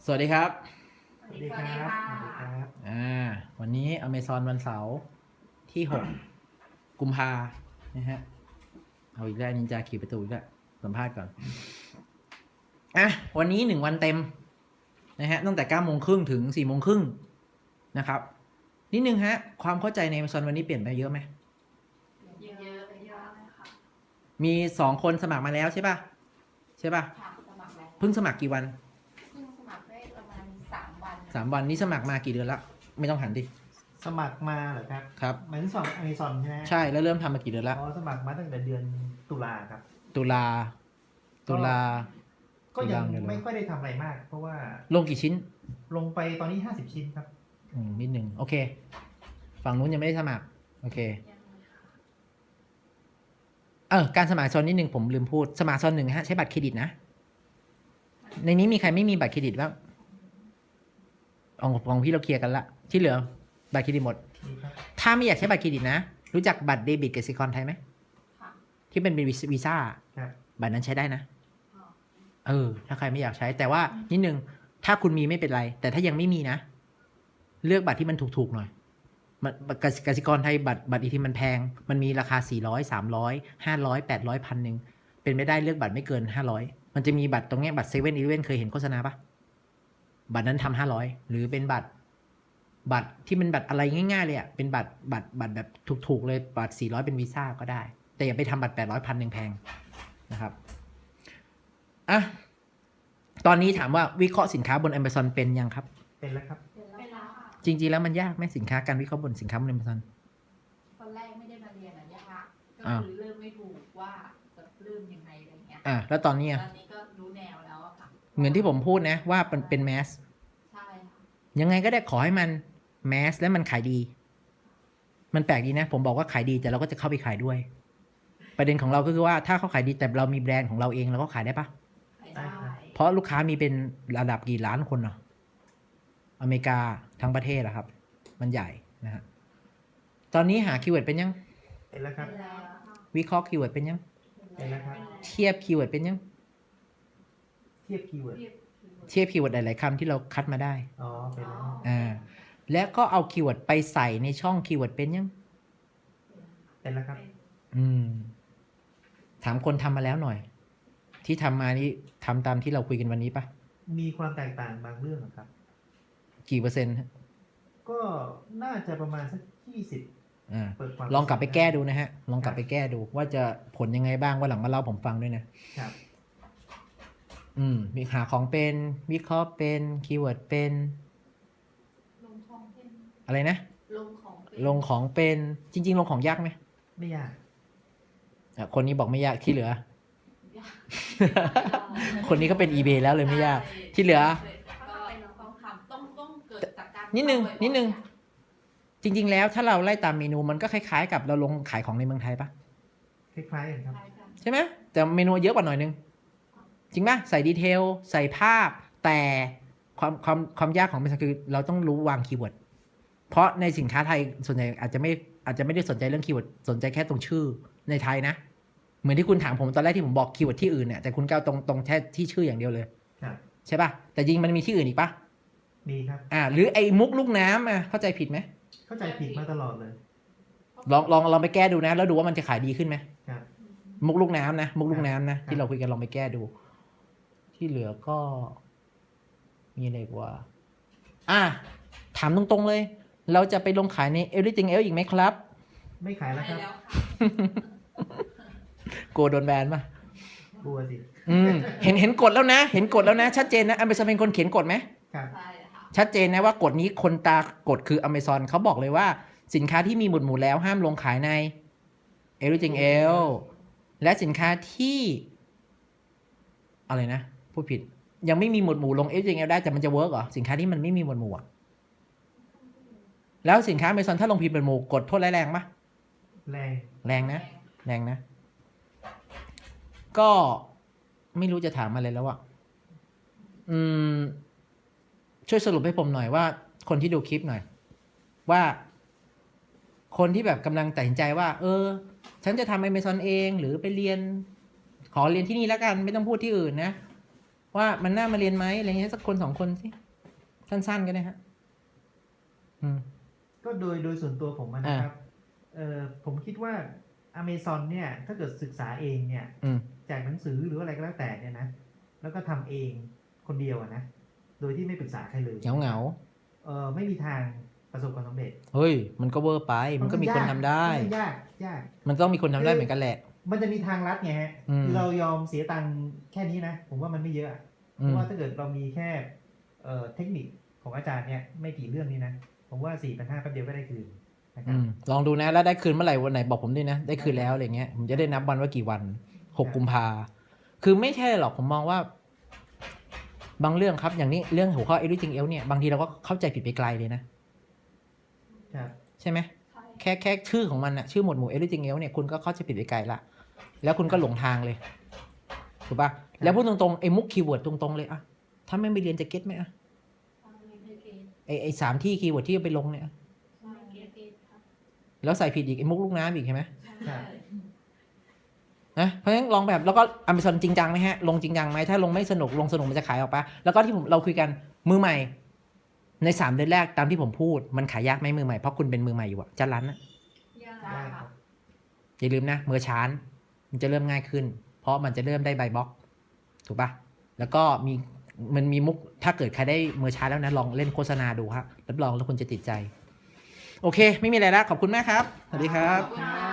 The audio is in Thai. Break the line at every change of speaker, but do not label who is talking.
สวัสดีครับ
สวัสดีครับสวัสดีครับ
วันนี้ Amazon วันเสาร์ที่6 กุมภานะฮะเอาอีกแล้วนินจาขี่ประตูอีกแล้วสัมภาษณ์ก่อนวันนี้1 วันเต็มนะฮะตั้งแต่9 โมงครึ่งถึง4 โมงครึ่งนะครับนิดนึงฮะความเข้าใจใน Amazon วันนี้เปลี่ยนไปเยอะไหม
เยอะเลยค่ะ
มี2 คนสมัครมาแล้วใช่ป่ะ
ค่ะสมัครแล้ว
เพิ่งสมัครกี่วัน
เพิ่งสมัครได้ประมาณ3 วัน
3 วันนี้สมัครมากี่เดือนละไม่ต้องหันดิ
สมัครมาเหรอครับ
ครับ
เหมือนสอนอเมซอนใช่ไหม
ใช่แล้วเริ่มทำมากี่เดือนละ
อ๋อสมัครมาตั้งแต่เดือนตุลาครับ
ตุลาตุลา
ก็ยัง
ตุลา
ไม่ค่อยได้ทำอะไรมาก เพราะว่า
ลงกี่ชิ้น
ลงไปตอนนี้50 ชิ้นครับ
นิดหนึ่งโอเค ฝั่งนู้นยังไม่ได้สมัคร โอเค การสมัครโซนนิดหนึ่งผมลืมพูด สมัครโซน 1ฮะใช้บัตรเครดิตนะ ในนี้มีใครไม่มีบัตรเครดิตบ้างของพี่เราเคลียร์กันละ ที่เหลือบัตรเครดิตหมด ถ้าไม่อยากใช้บัตรเครดิตนะ รู้จักบัตรเดบิตกสิกรไทยไหม
ค่ะ
ที่เป็นวีซ่า
ครับ
บัตรนั้นใช้ได้นะ
อ๋อ
ถ้าใครไม่อยากใช้ แต่ว่านิดนึง ถ้าคุณมีไม่เป็นไร แต่ถ้ายังไม่มีนะ เลือกบัตรที่มันถูกๆหน่อยมันกสิกรไทยบัตรอีทีมันแพง มันมีราคา400 300 500 800 1,000เป็นไม่ได้เลือกบัตรไม่เกิน500มันจะมีบัตรตรงเนี้ยบัตร7-Eleven เคยเห็นโฆษณาปะบัตรนั้นทำ500หรือเป็นบัตรที่มันบัตรอะไรง่ายๆเลยอ่ะเป็นบัตรแบบถูกๆเลยบัตร400เป็นวีซ่าก็ได้ แต่อย่าไปทำบัตร800 1,000แพงนะครับตอนนี้ถามว่าวิเคราะห์สินค้าบน Amazon เป็นยังครับ
เป็นแล้วครับ
เป็นแล้วค่ะ
จริงๆแล้วมันยากไหมสินค้าการวิเคราะห์บนสินค้าบน Amazon
ตอนแรกไม่ได้มาเรียนยากก็
อ้าว
คือเริ่มไม่ถูกว่าจะเริ่มยังไงอะไรเงี้ย
แล้วตอนนี้
ต
อะ
อนนี้ก็รู้แนวแล้วอะค่ะ
เหมือนที่ผมพูดนะว่ามันเป็นแมส
ใช่ค่ะ
ยังไงก็ได้ขอให้มันแมสและมันขายดี มันแปลกดีนะ ผมบอกว่าขายดีแต่เราก็จะเข้าไปขายด้วย ประเด็นของเราก็คือว่าถ้าเขาขายดีแต่เรามีแบรนด์ของเราเองเราก็ขายได้ปะ
ขายได้
เพราะลูกค้ามีเป็นระดับกี่ล้านคนเนาะอเมริกาทั้งประเทศอะครับ มันใหญ่นะฮะตอนนี้หาคีย์เวิร์ดเป็นยัง
เป็นแล้วครับ
เป็นแล้วค่ะ
วิเคราะห์คีย์เวิร์ดเป็นยัง
เป็นแล้วครับ
เทียบคีย์เวิร์ดเป็นยัง
เทียบคีย์เวิร์ด
เทียบคีย์เวิร์ดหลายๆคำที่เราคัดมาได้
อ๋อ เป็นแล้ว
แล้วก็เอาคีย์เวิร์ดไปใส่ในช่องคีย์เวิร์ดเป็นยัง
เป็นแล้วครับ
ถามคนทำมาแล้วหน่อย ที่ทำมานี่ทำตามที่เราคุยกันวันนี้ปะ
มีความแตกต่างบางเรื่องครับ
กี่เปอร์เซ็นต์ฮะ
ก็น่าจะประมาณสัก20เปิดความ
ลองกลับไปแก้ดูนะฮะ ลองกลับไปแก้ดูว่าจะผลยังไงบ้างว่าหลังมาเล่าผมฟังด้วยนะครับ มีหาของเป็นวิเคราะห์เป็นคีย์เวิร์ดเป็น
ลงของเป็น
อะไรนะ
ลงของเป็น
ลงของเป็นจริง ๆ ลงของยากไหม
ไม่ยาก
คนนี้บอกไม่ยากที่เหลือ คนนี้ก็เป็น eBay แล้วเลยไม่ยาก ที่เหลือ
ก็ต้องทำต้องเกิดจากการ
นิดนึง
ทำบ่อยๆ
นิดนึง
อะ
จริง ๆ แล้วถ้าเราไล่ตามเมนูมันก็คล้ายๆ กับเราลงขายของในเมืองไทยปะ
คล้ายๆกันครับ
คล้ายกัน
ใช่ไหมแต่เมนูเยอะกว่าหน่อยนึง จริงปะใส่ดีเทลใส่ภาพ แต่ความยากของมันคือเราต้องรู้วางคีย์เวิร์ดเพราะในสินค้าไทยส่วนใหญ่อาจจะไม่ได้สนใจเรื่องคีย์เวิร์ดสนใจแค่ตรงชื่อในไทยนะ เหมือนที่คุณถามผมตอนแรกที่ผมบอกคีย์เวิร์ดที่อื่นเนี่ยแต่คุณก้าวตรงแค่ที่ชื่ออย่างเดียวเลย
ครับ
ใช่ปะแต่จริงมันมีที่อื่นอีกปะ
มีครับ
หรือไอ้มุกลูกน้ำเข้าใจผิดไหม
เข้าใจผิดมาตลอดเลย
ลองไปแก้ดูนะ แล้วดูว่ามันจะขายดีขึ้นไหม
ครับ
มุกลูกน้ำนะมุกลูกน้ำนะที่เราคุยกันลองไปแก้ดู ที่เหลือก็มีอะไรกว่าถามตรงๆเลย เราจะไปลงขายใน Everything Else อีกไหมครับ
ไม่ขายแล้ว
ใช่
ครับ
แล้วค่ะ
กลัวโดนแบนป่ะ
กลัวสิ
เห็นกฎแล้วนะ เห็นกฎแล้วนะ ชัดเจนนะ Amazon เป็นคนเขียนกฎไหม
ครับ
ใช่ค่ะ
ชัดเจนนะว่ากฎนี้คนตากฎคือ Amazon เขาบอกเลยว่าสินค้าที่มีหมุดหมู่แล้วห้ามลงขายใน Everything Else และสินค้าที่อะไรนะพูดผิด ยังไม่มีหมวดหมู่ลง Everything Else ได้แต่มันจะเวิร์กเหรอสินค้าที่มันไม่มีหมวดหมู่อะแล้วสินค้า Amazon ถ้าลงผิดหมวดหมู่กดโทษร้ายแรงปะ
แรง
แรงนะ แรงนะ ก็ไม่รู้จะถามอะไรแล้วอะช่วยสรุปให้ผมหน่อยว่าคนที่ดูคลิปหน่อย ว่าคนที่แบบกำลังตัดสินใจว่า ฉันจะทำ Amazon เองหรือไปเรียน ขอเรียนที่นี่แล้วกัน ไม่ต้องพูดที่อื่นนะว่ามันน่ามาเรียนไหมอะไรเงี้ยสักคนสองคนสิสั้นๆก็ได้ฮะ
ก็โดยส่วนตัวผมนะครับผมคิดว่า Amazon เนี่ยถ้าเกิดศึกษาเองเนี่ยจากหนังสือหรืออะไรก็แล้วแต่เนี่ยนะแล้วก็ทำเองคนเดียวนะโดยที่ไม่ปรึกษาใครเลย
เหงา
ไม่มีทางประสบความสำเร็จ
เฮ้ยมันก็เวอร์ไปมันก็มีคนทำได้
ยาก
มันต้องมีคนทำได้เหมือนกันแหละ
มันจะมีทางลัดไงฮะคือเรายอมเสียตังค์แค่นี้นะผมว่ามันไม่เยอะเพราะว่าถ้าเกิดเรามีแค่เทคนิคของอาจารย์เนี่ยไม่กี่เรื่องนี้นะผมว่า 4,500 แป๊บเดียวก็ได้คืนนะครับ
ลองดูนะแล้วได้คืนเมื่อไหร่วันไหนบอกผมด้วยนะได้คืนแล้วอะไรเงี้ยผมจะได้นับวันว่ากี่วัน6 กุมภาคือไม่ใช่หรอกผมมองว่าบางเรื่องครับอย่างนี้เรื่องหัวข้อ everything else เนี่ยบางทีเราก็เข้าใจผิดไปไกลเลยนะใช่ไหมแค่ชื่อของมันอะชื่อหมวดหมู่ everything else เนี่ยคุณก็เข้าใจผิดไปไกลละแล้วคุณก็หลงทางเลยถูกป่ะแล้วพูดตรงๆไอ้มุกคีย์เวิร์ดตรงๆเลยอะถ้าไม่ไปเรียนจะเก็ตไหมอะไอ้3 ที่คีย์เวิร์ดที่เอาไปลงเนี่ยแล้วใส่ผิดอีกไอ้มุกลูกน้ำอีกใช่ไหมนะเพราะฉะนั้นลองแบบแล้วก็ Amazon จริงจังไหมฮะลงจริงจังไหมถ้าลงไม่สนุกลงสนุกมันจะขายออกปะแล้วก็ที่เราคุยกันมือใหม่ใน3 เดือนแรกตามที่ผมพูดมันขายยากไหมมือใหม่เพราะคุณเป็นมือใหม่อยู่อะจะรันนะอย่าลืมนะเมื่อชานมันจะเริ่มง่ายขึ้นเพราะมันจะเริ่มได้ใบบล็อกถูกปะแล้วก็มันมีมุกถ้าเกิดใครได้เมื่อชานแล้วนะลองเล่นโฆษณาดูครับรับรองแล้วคุณจะติดใจโอเคไม่มีอะไรแล้วขอบคุณมากครับสวัสดีครับ